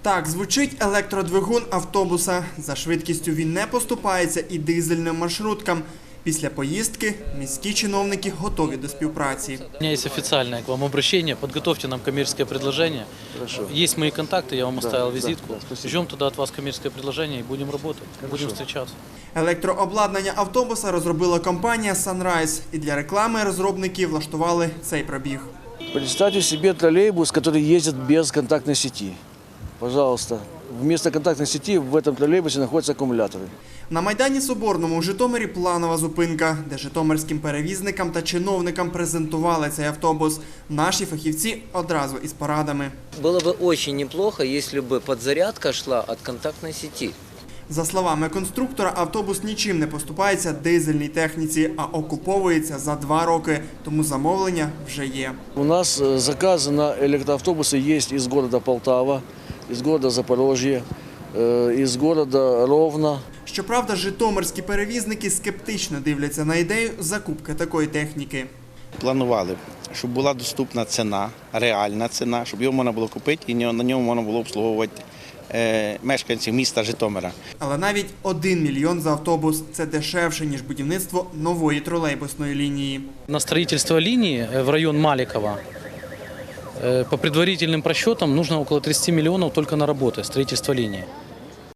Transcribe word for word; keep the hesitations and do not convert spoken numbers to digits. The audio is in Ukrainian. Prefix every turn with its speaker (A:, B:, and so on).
A: Так звучить електродвигун автобуса. За швидкістю він не поступається і дизельним маршруткам. Після поїздки міські чиновники готові до співпраці.
B: У меня есть официальное к вам обращение. Подготовьте нам коммерческое предложение.
C: Хорошо.
B: Есть мои контакты, я вам оставил
C: да,
B: визитку.
C: да, спасибо.
B: Ждем туда от вас коммерческое предложение и будем работать, будем встречаться.
A: Електрообладнання автобуса розробила компанія Sunrise. І для реклами розробники влаштували цей пробіг.
C: Представьте себе троллейбус, который ездит без контактной сети. Пожалуйста. Вместо контактной сети в этом троллейбусе находятся аккумуляторы.
A: На Майдані Соборному у Житомирі планова зупинка, де житомирським перевізникам та чиновникам презентували цей автобус. Наші фахівці одразу із порадами.
D: Было бы очень неплохо, если бы подзарядка шла от контактной сети.
A: За словами конструктора, автобус нічим не поступається дизельній техніці, а окуповується за два роки, тому замовлення вже є.
C: У нас э, заказы на электроавтобусы есть из города Полтава, из города Запорожье, э, из города Ровно.
A: Щоправда, житомирські перевізники скептично дивляться на ідею закупки такої техніки.
E: Планували, щоб була доступна ціна, реальна ціна, щоб його можна було купити і на ньому можна було обслуговувати е, мешканців міста Житомира.
A: Але навіть один мільйон за автобус – це дешевше, ніж будівництво нової тролейбусної лінії.
B: На строительство линии в район Маликова э, по предварительным просчетам нужно около тридцати миллионов только на работы, строительство линии.